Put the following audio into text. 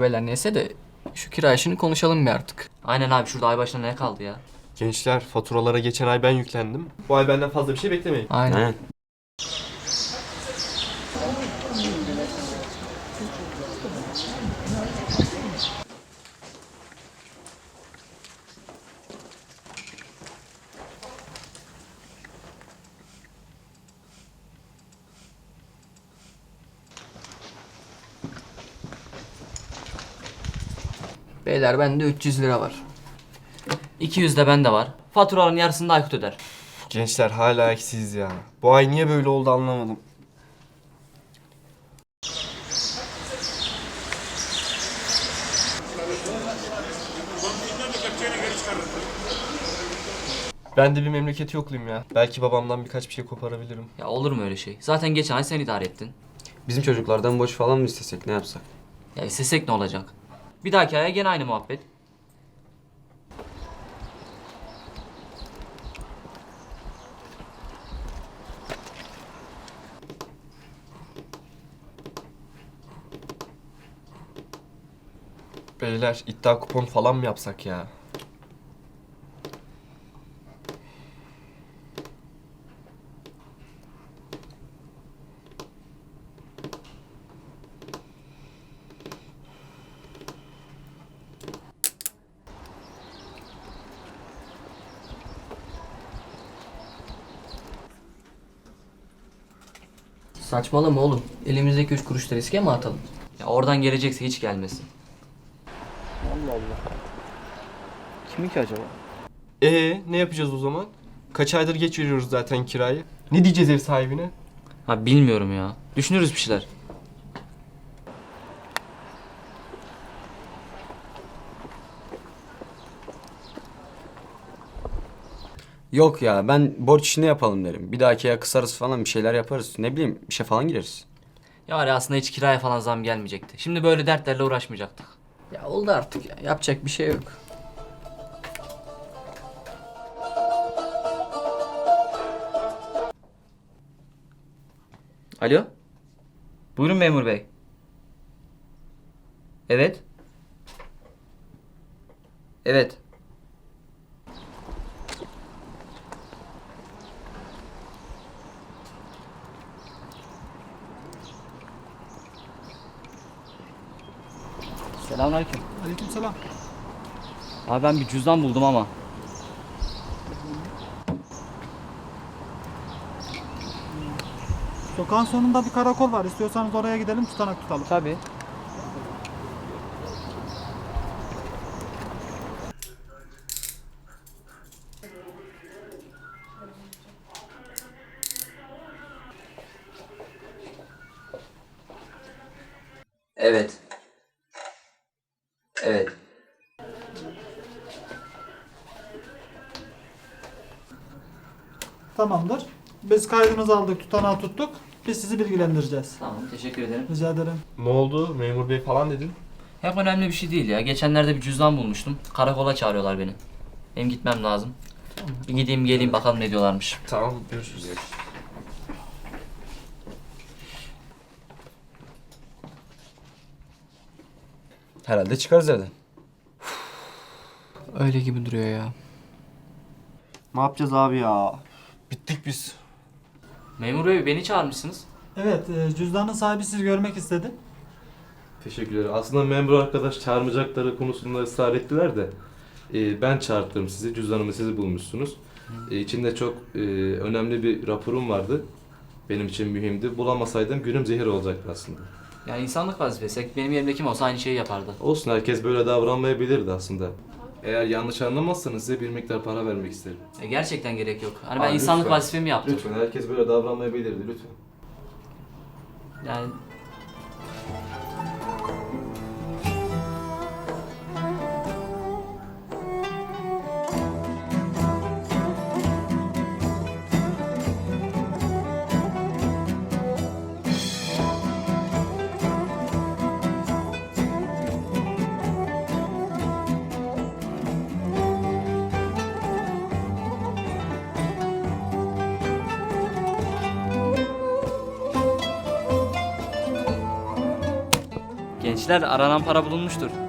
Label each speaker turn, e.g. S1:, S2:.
S1: beyler neyse de şu kira işini konuşalım bir artık.
S2: Aynen abi, şurada ay başına ne kaldı ya?
S3: Gençler, faturalara geçen ay ben yüklendim. Bu ay benden fazla bir şey beklemeyin.
S1: Aynen. Beyler bende 300 lira var.
S2: 200 de bende var. Faturaların yarısını da Aykut öder.
S3: Gençler hala eksiyiz ya. Bu ay niye böyle oldu anlamadım. Ben de bir memleketi yokluyum ya. Belki babamdan birkaç bir şey koparabilirim.
S2: Ya olur mu öyle şey? Zaten geçen ay sen idare ettin.
S4: Bizim çocuklardan borç falan mı istesek, ne yapsak?
S2: Ya istesek ne olacak? Bir dahaki aya gene aynı muhabbet.
S3: Beyler iddia kupon falan mı yapsak ya?
S1: Saçmalama oğlum. Elimizdeki 3 kuruşta riske mi atalım?
S2: Ya oradan gelecekse hiç gelmesin.
S5: Kimin ki acaba?
S3: Ne yapacağız o zaman? Kaç aydır geç veriyoruz zaten kirayı. Ne diyeceğiz ev sahibine?
S2: Ha bilmiyorum ya. Düşünürüz bir şeyler.
S4: Yok ya, ben borç işini yapalım derim. Bir dahaki ya kısarız falan, bir şeyler yaparız. Ne bileyim, bir şey falan gireriz.
S2: Ya var ya, aslında hiç kiraya falan zam gelmeyecekti. Şimdi böyle dertlerle uğraşmayacaktık.
S1: Ya oldu artık ya. Yapacak bir şey yok.
S2: Alo? Buyurun memur bey. Evet. Evet. Selamünaleyküm.
S5: Aleykümselam.
S2: Abi ben bir cüzdan buldum ama.
S5: Sokağın sonunda bir karakol var. İstiyorsanız oraya gidelim, tutanak tutalım.
S2: Tabii. Evet. Evet.
S5: Tamamdır. Biz kaydınızı aldık, tutanağı tuttuk. Biz sizi bilgilendireceğiz.
S2: Tamam, teşekkür ederim.
S5: Rica ederim.
S3: Ne oldu? Memur bey falan dedin.
S2: Hep önemli bir şey değil ya. Geçenlerde bir cüzdan bulmuştum. Karakola çağırıyorlar beni. Benim gitmem lazım. Bir gideyim geleyim bakalım ne diyorlarmış.
S3: Tamam, görüşürüz.
S4: Herhalde çıkarız evden.
S1: Öyle gibi duruyor ya.
S3: Ne yapacağız abi ya? Bittik biz.
S2: Memur bey, beni çağırmışsınız.
S5: Evet, cüzdanın sahibi sizi görmek istedi.
S6: Teşekkürler. Aslında memur arkadaş çağırmayacakları konusunda ısrar ettiler de ben çağırttım sizi. Cüzdanımı sizi bulmuşsunuz. İçinde çok önemli bir raporum vardı. Benim için mühimdi. Bulamasaydım günüm zehir olacaktı aslında.
S2: Yani insanlık vazifesi. Benim yerimde kim olsa aynı şeyi yapardı.
S6: Olsun, herkes böyle davranmayabilirdi aslında. Eğer yanlış anlamazsanız size bir miktar para vermek isterim.
S2: Gerçekten gerek yok. Hani ben
S6: Abi
S2: insanlık
S6: lütfen.
S2: vazifemi yaptım.
S6: Lütfen, herkes böyle davranmayabilirdi lütfen.
S2: Yani Gençler aranan para bulunmuştur.